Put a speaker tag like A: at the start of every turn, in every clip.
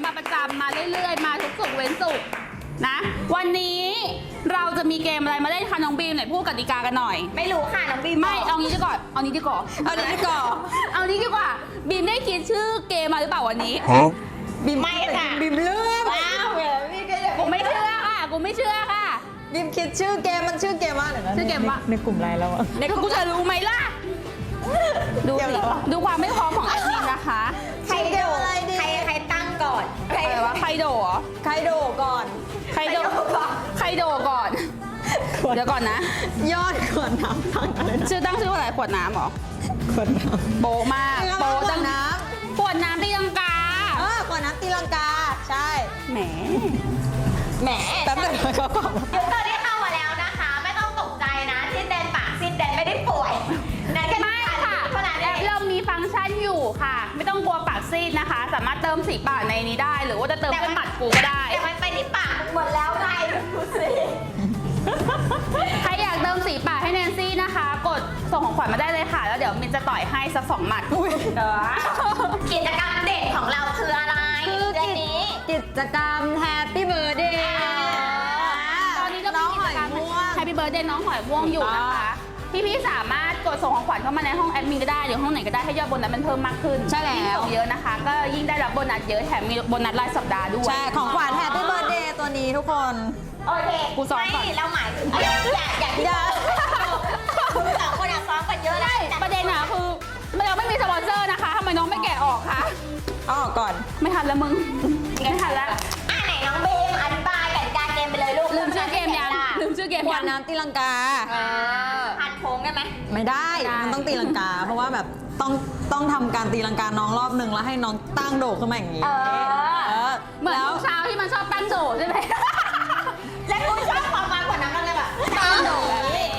A: มาประจำมาเรื่อยๆมาทุกศุกร์เว้นศุกร์นะวันนี้เราจะมีเกมอะไรมาเล่นคะน้องบีมไหนพูดกติกากันหน่อย
B: ไม่รู้ค่ะน้องบีม
A: ไม่เอางี้ดีกว่าเอานี้ดีกว่าบีมได้คิดชื่อเกมมาหรือเปล่าวันนี้
B: บีมไม่ค่ะ
C: บีมเลือก
B: ว้าวพี่ก็จะ
A: กูไม่เชื่อค่ะ
C: บีมคิดชื่อเกมมันชื่อเกมว่าอะไรนะ
A: ชื่อเกมว่า
C: ในกลุ่มไลน์เราอะ
A: ในกูจะรู้ไหมล่ะดูสิดูความไม่พร้อมของแอดมินนะคะ
B: ใครโดใครตั้งก่อน
A: ใครวะใครโดเหรอ
C: ใครโดก่อน
A: ใครโดก่อนเดี๋ยวก่อนนะ
C: ยอดขวดน้ำตั้งอะไรนะ
A: ชื่อว่าอะไรขวดน้ำเหรอ
C: ขวดน้ำ
A: โบมาก
C: โบตั้งน้
A: ำขวดน้ำตีลังกา
C: ขวดน้ำตีลังกาใช่
A: แหม
C: แป๊บนึงเขาก่อน
B: ยูเซอร์ที่เข้ามาแล้วนะคะไม่ต้องตกใจนะซิดแดนปากซิดแดนไม่ได้ป่วยนะแค่ไม่ค่ะเท่านั้นเอง
A: เรามีฟังก์ชันอยู่ค่ะไม่ต้องกลัวปากซีดนะคะสามารถเติมสีปากในนี้ได้หรือว่าจะเติมเป็นหมัดกูก็ได้
B: แต่มันไปที่ปากหมดแล้วไงดูสิ
A: ใครอยากเติมสีปากให้แนนซี่นะคะกดส่งของขวัญมาได้เลยค่ะแล้วเดี๋ยวมินจะต่อยให้สัก2 หมัด
B: กิจกรรมเด็กของเราคืออะไร
C: คือกิจกรรมแฮปปี้เบิร์ดเดย์
A: ตอนนี้เรามีกิจกรรมแฮปปี้เบิร์ดเดย์น้องหอยม่วงอยู่นะคะพี่สามารถกดส่งของขวัญเข้ามาในห้องแอดมินก็ได้หรือห้องไหนก็ได้ให้ยอดโบนัสมันเพิ่มมากขึ้น
C: ใช่แล้ว
A: เยอะนะคะก็ยิ่งได้รับโบนัสเยอะแถมมีโบนัสรายสัปดาห์ด้วย
C: ใช่ของขวัญแฮปปี้เบิร์ดเดย์ตัวนี้ทุกคน
B: โอเค
A: กูซ้อมก่อน
B: เราหมายถึงอยากที่สองคนอยากซ้อมกันเยอะได้
A: ประเด็นอะคือเราไม่มีสปอนเซอร์นะคะทำไมน้องไม่แกะออกคะ
C: เอาออกก่อน
A: ไม่ทันแล้วมึงไม่ทันแล้ว
B: ไหนน้องเบมอธิบายกติกาเกมไปเลยลูก
A: ลืมชื่อเกมยัง
C: ขวดน้ำตีลังกา
B: พันโค้งได้ไหม
C: ไม่ได้มันต้องตีลังกาเพราะว่าแบบต้องทำการตีลังกาน้องรอบนึงแล้วให้น้องตั้งโดดขึ้นมาอย่างนี้
A: เหมือนเช้าที่มันชอบตั้งโดดใช่ไหม
B: แล้วกูชอบความมันกว่านั้นเลยแบบตั้งโดด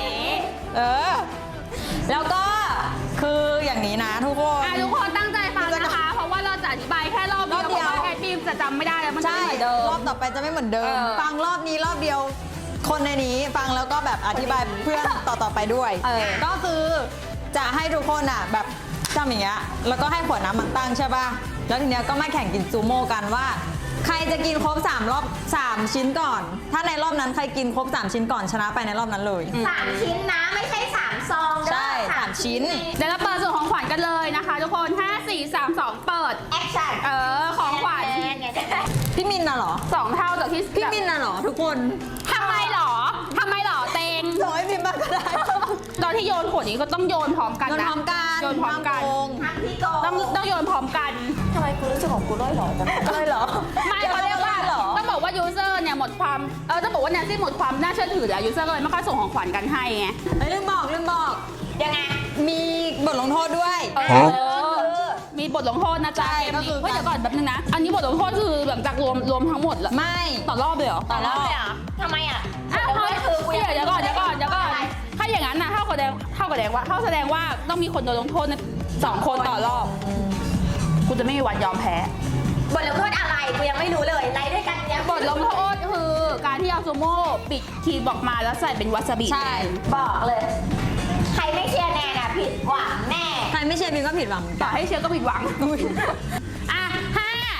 C: แล้วก็คืออย่างนี้นะทุกคน
A: ตั้งใจฟังนะคะเพราะว่าเราจะอธิบายแค่รอบเดียวเพราะว่าแอดมินจะจำไม่ได้แล้วมันจะไม่เหมือนเดิม
C: รอบต่อไปจะไม่เหมือนเดิมฟังรอบนี้รอบเดียวคนในนี้ฟังแล้วก็แบบอธิบายเพื่อนต่อไปด้วยก็คือจะให้ทุกคนอ่ะแบบจำอย่างเงี้ยแล้วก็ให้ขวดน้ำมันตั้งใช่ป่ะแล้วทีเนี้ยก็มาแข่งกินซูโม่กันว่าใครจะกินครบ3 ชิ้นก่อนถ้าในรอบนั้นใครกินครบ3 ชิ้นก่อนชนะไปในรอบนั้นเลย
B: 3 ชิ้นนะไม่ใช่3 ซอง
C: ใช่3 ชิ้น
A: เดี๋ยวเราเปิดส่วนของขวัญกันเลยนะคะทุกคน5 4 3 2เปิด
B: แอคชั่น
A: ของขวัญ
C: พี่มินน่ะเหรอ
A: 2 เท่าจากที่
C: พี่มินน่ะเหรอทุกคน
A: ทำไมหรอเต็ง
C: ร้อยมินบ้างก็ได้
A: ตอนที่โยนขวดนี้ก็ต้องโยนพร้อมกันนะโยนพร้อมกันต้องโยนพร้อมกัน
B: ทำไมกูรู้สึกของกูร้อยหรอจัง
C: เลยเหรอ
A: ไม่เขาเรียกว่าต้องบอกว่ายูเซอร์เนี่ยหมดความต้องบอกว่าแนนซี่หมดความน่าเชื่อถือแล้วยูเซอร์ก็เลยไม่ค่อยส่งของขวัญกันให้ไง
C: ลืมบอก
B: ยังไง
C: มีบทลงโทษด้วย
A: มีบทลงโทษนะจ๊ะเกมนี้เฮ้ยเดี๋ยวก่อนแป๊บนึงนะอันนี้บทลงโทษคือหลังจากรวมทั้งหมดเหรอ
C: ไม่
A: ต่อรอบเลยเหรอ
B: ต่อรอบเลยอ่ะทำไมอ่ะ
A: เดี๋ยวก่อนถ้าอย่างนั้นนะเท่ากับแสดงว่าต้องมีคนโดนลงโทษ2 คนต่อรอบกูจะไม่มีวันยอมแพ้
B: บทลงโทษอะไรกูยังไม่รู้เลยไล่ด้วยกันเนี่ย
A: บทลงโทษคือการที่เอาซูโม่ปิดคีย์บอกมาแล้วใส่เป็นวาซาบิ
C: ใช่
B: บอกเลยใครไม่เชียร์แน่น่ะผิดหวังแน่
C: ใครไม่เชียร์มินก็ผิดหวัง
A: ต่อให้เชียร์ก็ผิดหวัง5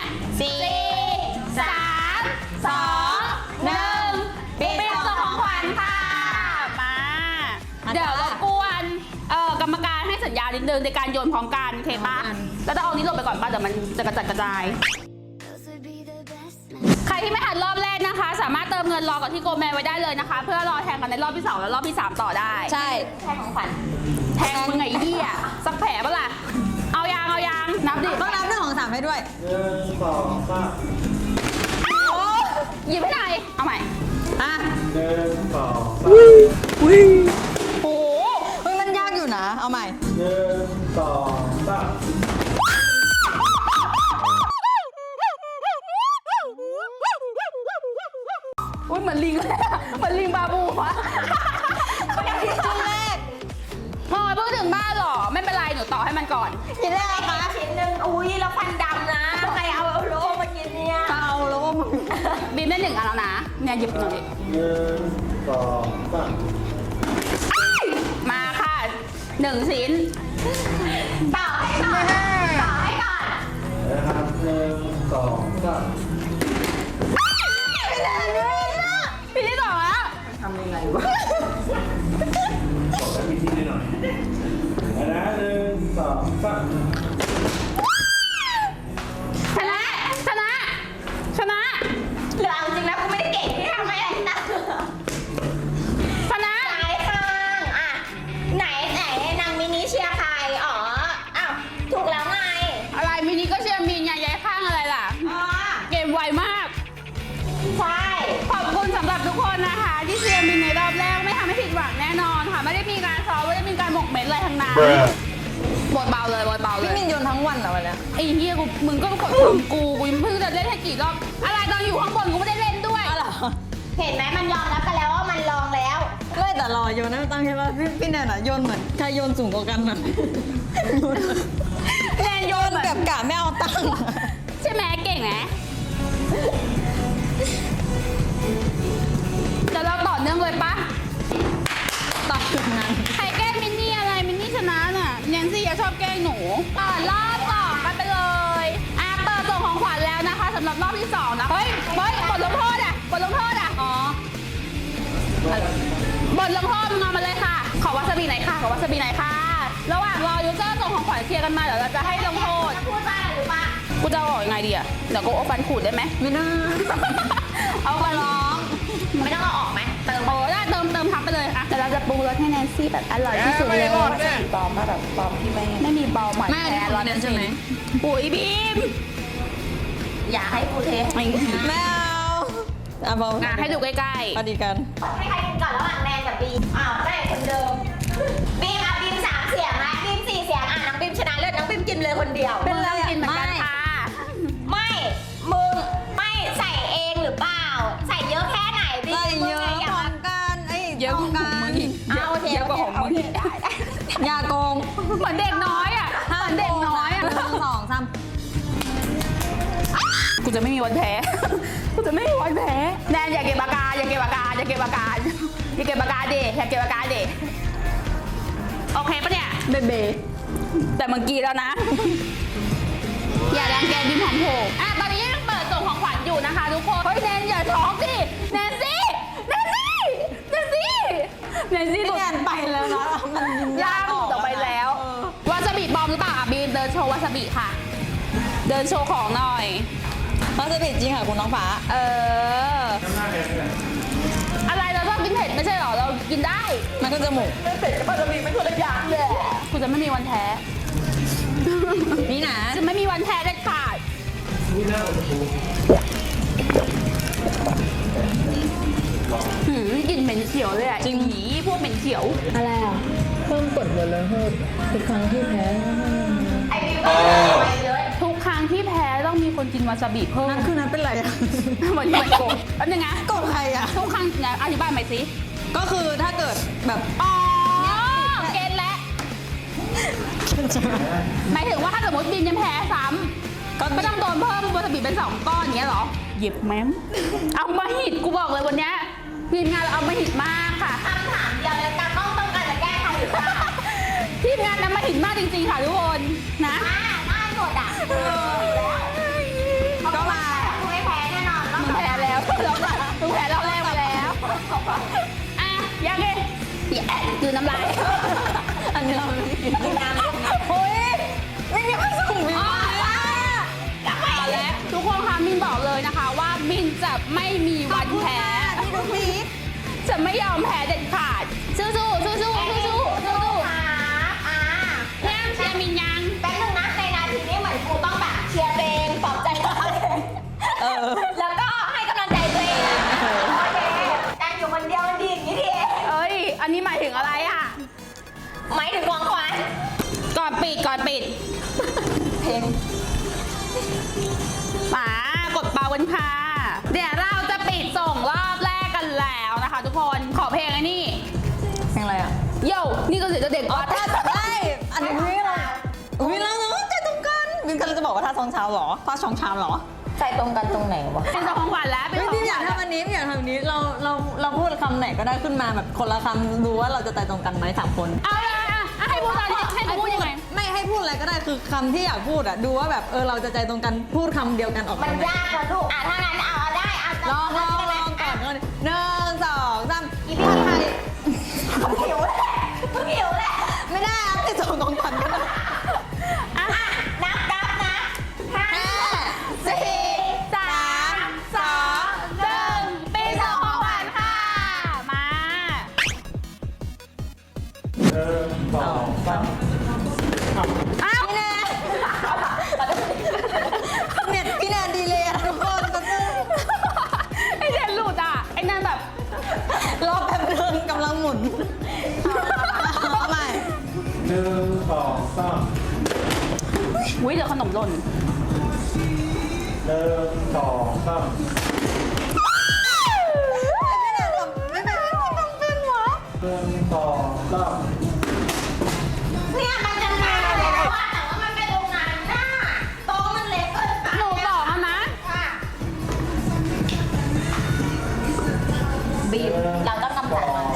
A: 4 3 2 1ปิดส่งของขวัญค่ะมาเดี๋ยวรบกวนกรรมการให้สัญญาณนิดนึงในการโยนพร้อมกันโอเคปะแล้วจะเอานี้ลงไปก่อนป่ะเดี๋ยวมันจะกระจัดกระจายใครที่ไม่ทันรอบแรกนะคะสามารถเติมเงินรอกับที่โกแมนไว้ได้เลยนะคะเพื่อรอแทงกันในรอบที่2และรอบที่3ต่อได้
C: ใช่
B: แทงของขวัญ
A: แทงมึงไงเหี้ยสักแผลปะล่ะเอายางนับดิ
C: ต้องนับ1 2 3ให้ด้วย
D: 1 2 3
A: หยิบให้หน่อยเอาใหม่
D: 1 2 3
A: โอ้
C: โหมันยากอยู่นะเอาใหม่
D: 1 2 3
A: เหมือนลิงบาบูวะ
C: ชิ้นแรก
A: พอเพิ่งถึงบ้านหรอไม่เป็นไรหนูต่อให้มันก่อน
C: ชิ้นแรกนะคะ
B: ชิ้นหนึ่งอุ้ยแล้วฟันดำนะใครเอาโลมากินเนี่ย
C: เอาโลมา
A: บีมได้1 อันแล้วนะเนี่ยหยิบหน่อย
D: 1 2 3
A: มาค่ะ1 ชิ้น
B: ต่อให้ก่อน
D: นะครับ1 2 3
A: ำหรับทุกคนนะคะที่เชียร์มินในรอบแรกไม่ทำให้ผิดหวังแน่นอนค่ะไม่ได้มีการซ้อมไม่ได้มีการหมกเม็ดอะไรทั้งนั้นบทเบาเลยบทเบาเล
C: พี่
A: ย
C: มินโยนทั้งวันเหรอวันเนี้ย
A: ไอ้เฮียกูมึงก็กดของกูยังเพิ่งจะเล่นให้กี่รอบอะไรตอนอยู่ข้างบนกูไม่ได้เล่นด้วย
C: อ๋อเหรอ
B: เห็นไหมมันยอมรับกันแล้วว่ามันลองแล้ว
C: ไม่แต่รอโยนนะตั้งใช่ป่ะพี่แนนอะโยนเหมือนใครโยนสูงกว่ากันอะแนนโยนแบบกะไม่เอาตังค์
A: ใช่ไหมเก่งไหมเดี๋ยวเราต่อเนื่องเลยปะ
C: ต่อจุดนั้น
A: ใครแกล้งมินนี่อะไรมินนี่ชนะน่ะแนนซี่ชอบแกล้งหนูรอบต่อกันไปเลยเปิดส่งของขวัญแล้วนะคะสำหรับรอบที่2นะเฮ้ยบทลงโทษอ่ะบทลงโทษอ่ะอ๋อบทลงโทษมึงเอามาเลยค่ะขอวาซาบิหน่อยค่ะขอวาซาบิหน่อยค่ะระหว่างรอยูเซอร์ส่งของขวัญเคลียร์กันมาเดี๋ยวเราจะให้ลงโทษ
B: จะพูดว่าอะไรหรือปะ
A: กูจะออกยังไงดีอ่ะเดี๋ยวกูเอาฟันขูดได้ไหม
C: ไม่น่า
A: เอามาร้อง
B: ไม่ต้องเอาออกไหมเติม
A: โอ้ได้เติมทับไปเลยอ่ะแต่เราจะปรุงรสให้แนนซี่แบบอร่อยที่สุดเลยปลอมมาแบบปลอมที่ไม่มีปลอมหมาย
C: ไม่อันนี้
A: แท้
C: ของแนนใช่ไหม
A: ปุ๋ยบีม
B: อย่าให้กูเท
A: ไม่
C: ไม่เอาอ่ะบอก
A: ให้ดูใกล้
C: พอดีกัน
B: ให้ใครกินก่อนระหว่างแนนกับบีมอ้าวได้คนเดิมบีมอ่ะบีม3เสียงนะบีม4เสียงอ่ะน้องบีมชนะเลิศน้องบีมกินเลยคนเดียว
A: ๆเป็นเรื่องกินเหมือนกันค่ะ
B: ไม่มึงไม่ใส่เองหรือเปล่า ใส่เยอะแค่ไหนบีม
C: ใส่เยอะ
B: มึงอย่า
C: พร้อ
B: มาม
C: กันไอ้
A: เยอะกว่าของมึงอีก
B: เอาโอเค
A: เยอะกว่าของมึงอีก
B: ได้
C: อย่าโกง
A: เหมือนเด็กน้อยอ่ะเหมือนเด็กน้อยอ่ะ
C: 1 2 3
A: กูจะไม่มีวันแพ้ กูจะไม่มีวันแพ้แนนอย่าเก็บอาการอย่าเก็บอาการอย่าเก็บอาการอย่าเก็บอาการดิอย่าเก็บอาการดิโอเคปะเนี่ยเบเบแต่เมื่อกี้แล้วนะ อย่าแรงแกดินหอมโผล่ตอนนี้ยังเปิดส่งของขวัญอยู่นะคะทุกคนเฮ้ยแนนอย่าช็อกดิแนนซี่แนนซี่แนนซี่แนนซี่
C: พี่แนนไปแล้วนะมันยิน
A: ย่างหลุดออกไปแล้ววาซาบิบอมหรือเปล่าบีมเดินโชว์วาซาบิค่ะ เดินโชว์ของหน่อย
C: มันจะผิดจริงค่ะคุณน้องฟ้า
A: อะไรเราชอบกินเผ็ดไม่ใช่หรอเรากินได้
C: มันก็จมูก
A: ไม่เผ็ดกับวาซาบิไม่คนละอย่างเลยกูจะไม่มีวันแพ้
C: นี่นะ
A: จะไม่มีวันแพ้เด็ดขาด กลิ่นเหม็นเขียวเลยอ่ะจริงหีพวกเหม็นเขียว
C: อะไรอ่ะเพิ่มกดบทลงโทษทุกครั้งที่แพ้
B: ไอ้บีมก็เลยไปเลย
A: ทุกครั้งที่แพ้ต้องมีคนกินวาซาบิเพิ่ม
C: นั่นคือนั้นเป็นไรอ่ะ
A: เหมือนมันโกรธแล้วยังไง
C: กดใครอ่ะ
A: ทุกครั้งนะอธิบายใหม่สิ
C: ก็คือถ้าเกิดแบบ
A: อ๋อเกณฑ์แล้วหมายถึงว่าถ้าสมมติบินยังแพ้ซ้ำก็ไม่ต้องโดนเพิ่มวาซาบิเป็น2 ก้อนอย่างเงี้ยเหรอหยิบแม้มเอามาหิดกูบอกเลยวันเนี้ยทีมงานเราเอามาหิดมากค่ะ
B: คำถามเดียวเลยการต้องการจะแก้ใครหรือเปล่า
A: ทีมงานนำมาหิดมากจริงๆค่ะทุกคนนะ
B: ได้หมดอ่ะก็มาคุณไม่แพ้แน่นอน
A: มึงแพ้แล้วมึงแพ้รอบแรกมาแล้วอ่ะยังไงคือน้ำลาย
C: อันนี้เราไม่ได้กินน้ำโอ้ยไม่มีความสุขมีมาก
A: มาแล้วทุกคนคะมินบอกเลยนะคะว่ามินจะไม่มีวันแพ้
C: ที่ดูพีค
A: จะไม่ยอมแพ้เด็ดขาดสู้ๆสู้ๆสู้ๆสู้ๆสู้ๆ แม่เชียร์มินยัง
B: แป๊บนึงนะในนาทีนี้เหมือนกูต้องแบบเชียร์ตัวเองปลอบใจตัวเองแล้วก็ให้กำลังใจตัวเองโอเคการอยู่คนเดียวมันดีอย่างนี้ที
A: เอ้ย อันนี้หมายถึงอะไรอ่ะ
B: หมายถึงของขวัญ
A: ก่อนปิด
C: เพลง
A: มากดเบากันค่ะ เดี๋ยวเราจะปิดส่งรอบแรกกันแล้วนะคะ ทุกคน ขอเพลงไอ้นี่
C: เพลงอะไรอ่ะ
A: โย่นี่ก็เสียงเด็ก
C: อ๋อ
A: วัด
C: ท่าได้อันนี้ไม่เราอุ้ยเราเนาะใจตรงกันวินกำลังจะบอกว่าท่าซองเช้าเหรอท่าชองชามเหรอ
B: ใจตรงกันตรงไหนวะ
A: เป็นของขวัญแล้วเป็น
C: ไม่
A: ของ
C: พี่อยาก
A: ขวัญ
C: ทำอันนี้พี่อยากทำอันนี้เราพูดคำไหนก็ได้ขึ้นมาแบบคนละคำดูว่าเราจะใจตรงกันไหม3 คน
A: เอาเลยให้พูดตอนนี้ให้พูดยังไง
C: ไม่ให้พูดอะไรก็ได้คือคำที่อยากพูดอ่ะดูว่าแบบเราจะใจตรงกันพูดคำเดียวกันออก
B: มั
C: มาน ไหม
B: ยากนะลูกถ้างั้นเอาได้เอา
C: ลองก่อน1 2 3
B: อีพี่ไทยหิวแหละหิวแหละ
C: ไม่ได้อ่ะไปส่งของขวัญกันนะ
B: นับนะ5 4 3 2 1
A: ปีส่งของขวัญค่ะ มา
D: 1 2 3
A: อ้าว
C: พี่แนนเน็ตพี่แนนดีเลยอะทุกคนก็คือ
A: ไอเดนหลุดอ่ะ ไอนั่นแบบ
D: 1 2 3
C: ไม่ได้ทำเป็นหรอ
D: 1 2 3
B: เนี่ยมันจะมาแล้วว่าแต่ว่ามันไปตรงนั้นน่ะโต๊ะมันเล็กเกินไป
A: หนูบอกแล้วนะ
B: ค่ะ บีบเราต้องกำจัดมัน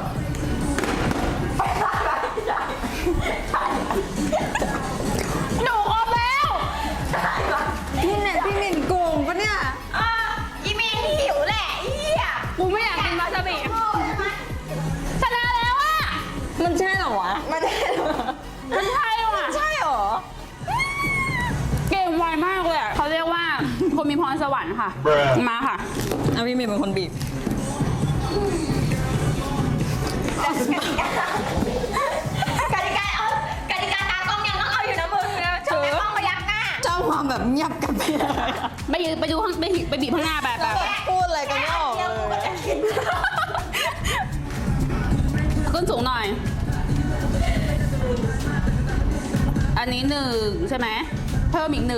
A: หนูครบแล้ว
C: พี่เน็ตพี่มินโกงปะเนี่ย
B: อีเมนหิวแหละเหี้ย
A: กูไม่อยากกินวาซาบิชนะแล้วอ่ะ
C: มันใช่เหรอวะมันใช่เหรอ
A: มันใช่ว่ะ
C: ใช่เหรอ
A: เก่งไวมากเลยอ่ะเขาเรียกว่าคนมีพรสวรรค์ค่ะ มาค่ะ
C: เอาพี่มินเป็นคนบีบ
B: กติกาเอากติกาตากล้องยังต้องเอาอยู่นะมึงชมแม่กล้องมายักหน้า
C: เจ้าความแบบเงียบกันไปเลย
A: ไปยืนไปดูข้างไปบีบข้างหน้าแบบ
C: พูดอะไรกันไม่ออก
B: เดี๋ยวกูก็
C: เล
B: จะ
C: ย
B: กิน
A: ขึ้นสูงหน่อย อันนี้1ใช่ไหมเพิ่มอีก1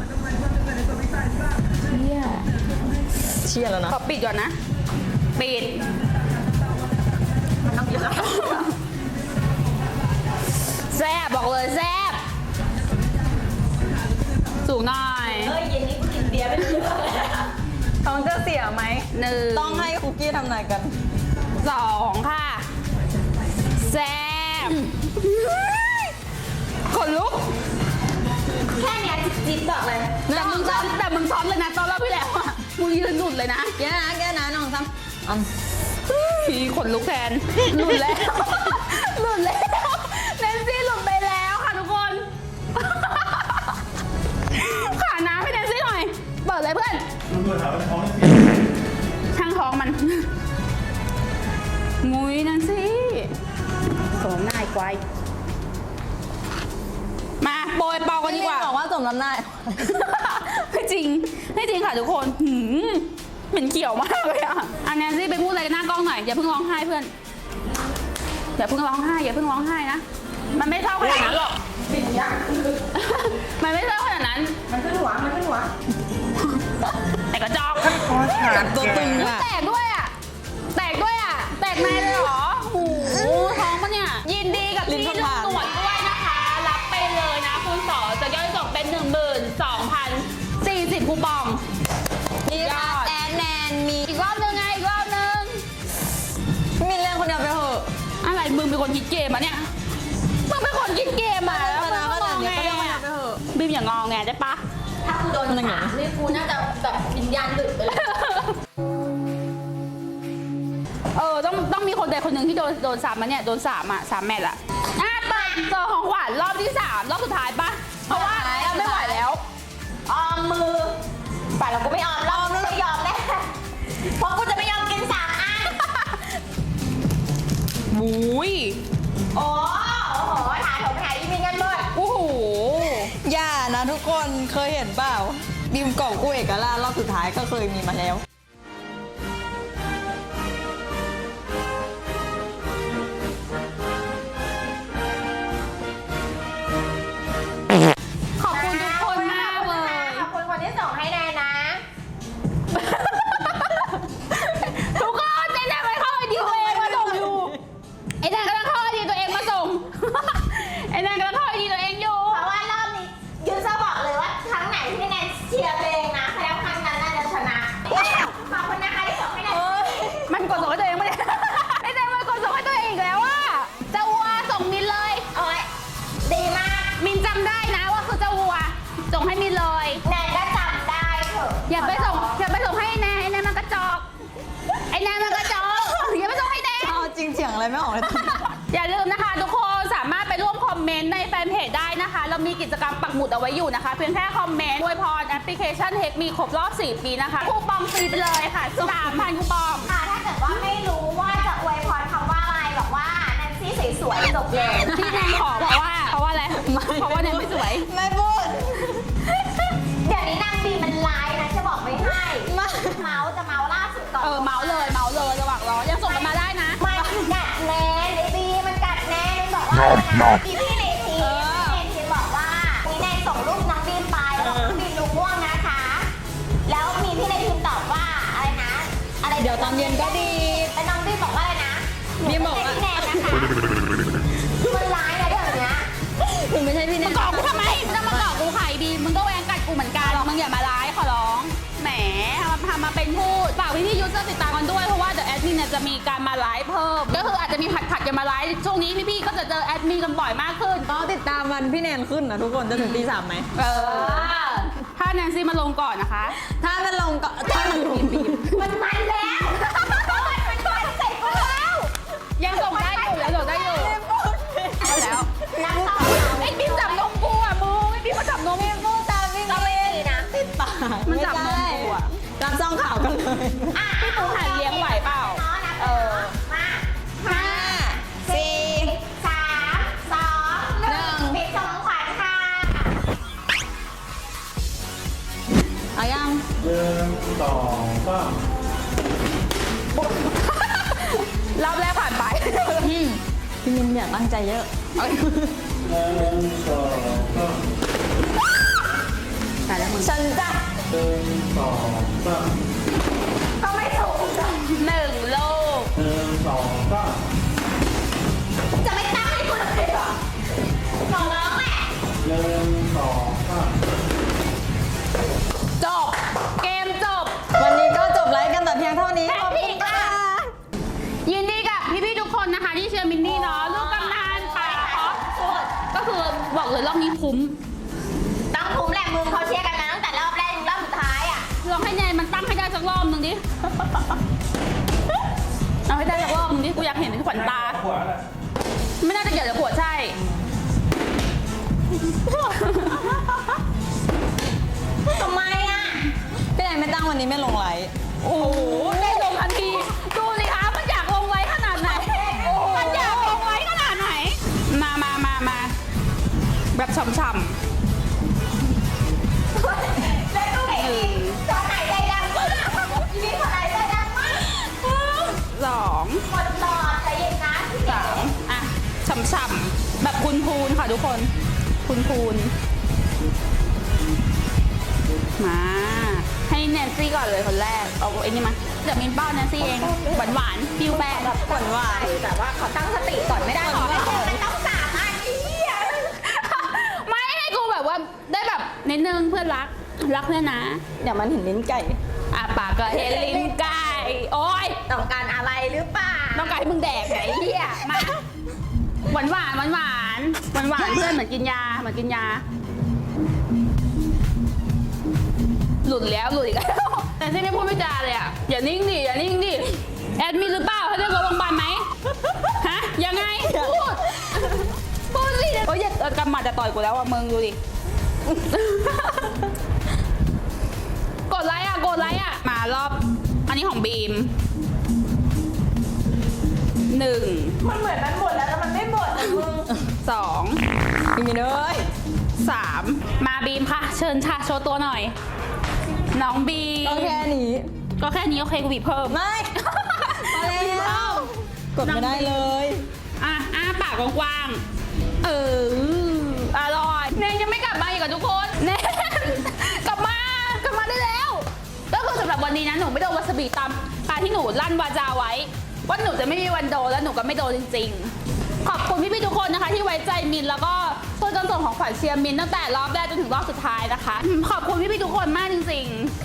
C: เชี่ยแล้วนะ
A: ขอปิดก่อนนะ ปิด
B: มันต้องเยอะ
A: แซ่บบอกเลยแซ่บสูงหน่อย
B: เย็นนี้กูกินเบียร์ไม่รู้เรื่องเลย
C: ท้องจะเสียไหม
A: 1
C: ต้องให้คุกกี้ทำนายกัน
A: 2ค่ะแซ่บขนลุก
B: แค่เนี้ยจิ๊บบอกเลย
A: แต่มึงซ้อมเลยนะตอนรอบที่แล้วอ่ะมึงยืนหลุดเลยนะ
C: แกนะน้องซ้ำ
A: พี่ขนลุกแทนหลุดแล้ว หลุดแล้วแนนซี่หลุดไปแล้วค่ะทุกคน ขาน้ำให้แนนซี่หน่อยเปิดเลยเพื่อน
D: มันตัวถามว่าท้องไม่เปลี่ยน
A: ช่างท้องมันงุยแนนซี่สมนายควายมาโปรยเปากันดีกว่า
C: บอกว่าสมน้ำหน้า
A: ไม่จริงค่ะทุกคนเหม็นเขียวมากเลยอ่ะอันแนนซี่ไปพูดอะไรกันหน้ากล้องหน่อยอย่าเพิ่งร้องไห้เพื่อนอย่าเพิ่งร้องไห้นะมันไม่เศร้าขนาดนั้นหรอกมันไม่เศร้าขนาดนั้น
B: มันขึ้นหัว
A: แต่กระจอก
C: ตัวตึงอ่ะ
A: แตกด้วยอ่ะแตกในเลยเหรอโอ้โหท้องปะเนี่ยยินดีกับที่ลงตรวจด้วยนะคะรับไปเลยนะคุณสอจะย่อยส่งเป็น 12,040 คูปอง
C: มีค่ะแนนมี
A: อีกรอบนึงไงอีกรอบนึง
C: มีเรื่องคนเดียวไปเถอะ
A: อะไรมึงเป็นคนคิดเกมอ่ะเนี่ยมึงเป็นคนคิดเกมอ่ะแล้วมึงก็มองไงอ่ะบีมอย่างงอแงได้ปะ
B: ถ้ากูโดนถามนี่กูน่าจะแบบวิญญาณดึกไปเลย
A: ต้องมีคนใดคนหนึ่งที่โดน3มาเนี่ยโดน3 3 แมตช์อะเปิดเจอของขวัญรอบที่ 3 รอบสุดท้ายปะเพราะว่าเราไม่ไหวแล้ว
B: ออมมือป่าเรากูไม่ออมรอบนึงไม่ยอมแน่เพราะกูจะไม่ยอมกิน3 อัน
A: บุ้ย
B: โอ้โหถาโถมหาอีมินกันหมด
A: โอ้โห
C: อย่านะทุกคนเคยเห็นเปล่าบิมกล่องกู้เอกราชรอบสุดท้ายก็เคยมีมาแล้ว
A: ขอบคุณทุกคนมากเลย
B: ขอบคุณคนที่ส่งให้แนนนะ
A: ทุกคนไอ้แนนไปเข้าไอดีตัวเองมาส่งอยู่ไอ้แนนกำลังเข้าไอดีตัวเองมาส่ง ไอ้แนนกำลังเข้าไอดีตัวเองอยู่
B: เพราะว่ารอบนี้ยูเซอร์บอกเลยว่าครั้งไหนที่แนนเชียร์ตัวเองนะแสดงว่าครั้งนั้นน่าจะชนะขอบคุณนะคะที่ส่งให้แนน
A: มันกดส่งให้ตัวเองไม่ได้ ไอ้แนนมันกดส่งให้ตัวเองอีกแล้วอะเจ้าวัวส่งมินเลย
B: โอ้ยดีมาก
A: มินจำได้นะว่าคือเจ้าวัวส่งให้มินเลย
B: แนนก็จำได้เถอะ
A: อย่าไปส่งให้แนนไอ้แนนมันกระจอกไอ้แนนมันกระจอกอย่าไปส่งให้แนน
C: เอาจริงเถียงอะไรไม่ออกเลย
A: อย่าลืมนะคะทุกคนสามารถไปร่วมคอมเมนต์ในแฟนเพจได้นะคะ เรามีกิจกรรมปักหมุดเอาไว้อยู่นะคะ เพียงแค่คอมเมนต์อวยพรแอปพลิเคชันเทคมีครบรอบ 4 ปีนะคะคูปองฟรีไปเลยค่ะ 3,000 คูปอง
B: ค่ะถ้าเกิดว่าไม่รู้ว่าจะอวยพรคำว่าอะไรบอกว่าแนนซี่สวยๆจบเลย
A: ที่แนนขอเพราะว่าอะไรเพราะว่าแนนไม่สวย
C: ไม่พูด
B: เดี๋ยวนี้นางบีมันไลน์นะจะบอกไม่ให้
C: มา
B: เมาส์จะเมาส์ล่าสุดก่อน
A: เมาเลยระหว่างรอยังส่งกันมาได้นะ
B: มันกัดแนนไอ้บีมันกัดแนนบอกว่าพี่ในทีมบอกว่ามีแนนส่งรูปน้องบีมไป
A: จะมีการมาไลฟ์เพิ่ม ก็คืออาจจะมีผัดกันมาไลฟ์ช่วงนี้พี่ๆก็จะเจอแอดมินกันบ่อยมากขึ้น
C: ก็ติดตามวันพี่แนนขึ้นนะทุกคนจะถึงตี 3ไหม
A: ถ้าแนนซี่มาลงก่อนนะคะ
C: ถ้ามันลงก็ถ้ามันลง
B: มันแล้วมันเสร็จแล้ว
A: ยังส่งได้อยู่ยังส่งได้อยู่เอาแล้ว
B: นักต่อ
A: ไอ้บิ๊มจับนมกูอ่ะมึงไอ้บิ๊มมาจับนม
C: พูดตามพี่
B: ก็ไม่ดีนะ
C: ติดปาก
A: มันจับนมกูอ่ะ
C: รับซองข่าวกันเลย
A: พี่ปูหันเลี้ยงไหวเปล่า
B: เออมา
C: 5 4
B: 3 2 1ปิดของขวัญค่ะ
C: เอายัง
D: 1 2 3
A: รอบแรกผ่านไป
C: พี่มินอยากตั้งใจเยอะ
D: 1 2 3
A: แต่แล้วมึง
C: ฉันจะ
D: 1 2 3
B: ก็ไม่ถูกจ้ะ
A: 1 ลูก
D: 1 2 3
B: จะไม่ตั้งให้คุณเลยเหรอขอร้องแหละ
D: 1 2 3
A: จบ เกมจบ
C: วันนี้ก็จบไลฟ์กันแต่เพียงเท่านี้ขอบคุณค่ะ
A: ยินดีกับพี่ๆทุกคนนะคะที่เชียร์มินนี่เนาะลูกกำนันป่าออฟก็คือบอกเลยรอบนี้คุ้ม
B: ต้องคุ้มแหละมึงเขาเชียร์กันมาตั้งแต่รอบแรกถึงรอบสุดท้ายอ่ะ
A: ลองให้แนนมันตั้งให้ได้สักรอบหนึ่งดิ เอาให้ได้สักรอบหนึงดิ กูอยากเห็นขวัญตา
D: ขวาแหละ
A: ไม่น่าจะเกี่ยวกับขวดใช่
B: ทำไมอ่ะ
C: พี่แนนไม่ตั้งวันนี้ไม่ลงไลฟ์
A: โอ้โหได้ลงทันที ดูสิคะมันอยากลงไว้ขนาดไหน มันอยากลงไว้ขนาดไหน มาแบบฉ่ำ
B: แล้วดูเห็นดิตอนไหนใจดังมากมีคนไหนใจดังมาก
A: ๆ2
B: หมดหลอดใจเย็นนะพี่เก๋
A: 3อ่ะฉ่ำๆแบบพูนๆค่ะทุกคนพูนๆมาให้แนนซี่ก่อนเลยคนแรกเอาไอ้นี่มาเดี๋ยวมินเป้าแนนซี่เองหวานๆฟิวแป้ง
C: หวานหวาน
B: แต่ว่าเขาตั้งสติก่อนไม่ได้หรอมันต้อง3 อันนี้อ่ะ
A: ไม่ให้กูแบบว่าได้แบบนิดนึงเพื่อนรักเพื่อนนะ
C: เดี๋ยวมันเห็นลิ้นไก่
A: อ่ะปากก็เฮนลิ้นไก่โอ้ย
B: ต้องการอะไรหรือเปล่า
A: ต้องการให้มึงแดกไหนเหี้ยมาหวานเพื่อนเหมือนกินยาหลุดแล้วหลุดอีกแล้วแต่ที่ไม่พูดไม่จาเลยอ่ะอย่านิ่งดิแอดมินหรือเปล่าเขาเรียกรถโรงพยาบาลไหมฮะยังไงพูดสิโอ้ยอย่ากำหมัดจะต่อยกูแล้วอ่ะมึงดูดิ กดไลค์อ่ะมารอบอันนี้ของบีม 1
B: มันเหมือนมันหมดแล้วแต่มันไม่หมดนะมึง
A: 2
C: พี่มินเอ้ย
A: 3 มาบีมค่ะ เชิญค่ะโชว์ตัวหน่อย น้องบีม
C: ก็แค่นี้
A: ก็แค่นี้โอเคกูบีบเพิ่ม
C: ไม่พอแล้วกดไม่ได้เลย
A: อ่ะอ้าปากกว้างๆอร่อยเนยยังไม่กลับมาอีกอ่ะทุกคนเนยกลับมาได้แล้ว ก็คือสำหรับวันนี้นะหนูไม่โดนวาซาบิตามการที่หนูลั่นวาจาไว้ว่าหนูจะไม่มีวันโดนแล้วหนูก็ไม่โดนจริงๆ ขอบคุณพี่ๆทุกคนนะคะที่ไว้ใจมินแล้วก็ช่วยกันส่งของขวัญเชียร์มินตั้งแต่รอบแรกจนถึงรอบสุดท้ายนะคะ ขอบคุณพี่ๆทุกคนมากจริง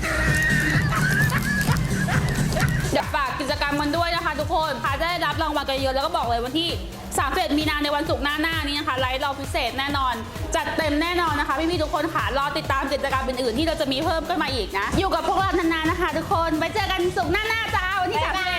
A: ๆ เดี๋ยวฝากกิจกรรมกันด้วยนะคะทุกคนพาจะได้รับรางวัลกันเยอะแล้วก็บอกเลยวันที่31 มีนาในวันศุกร์หน้านี้นะคะไลฟ์เราพิเศษแน่นอน จัดเต็มแน่นอนนะคะพี่ๆทุกคนค่ะรอติดตามกิจกรรมอื่นๆที่เราจะมีเพิ่มขึ้นมาอีกนะ อยู่กับพวกเรานานๆนะคะ ทุกคนไว้เจอกันศุกร์หน้าจ้าวันที่31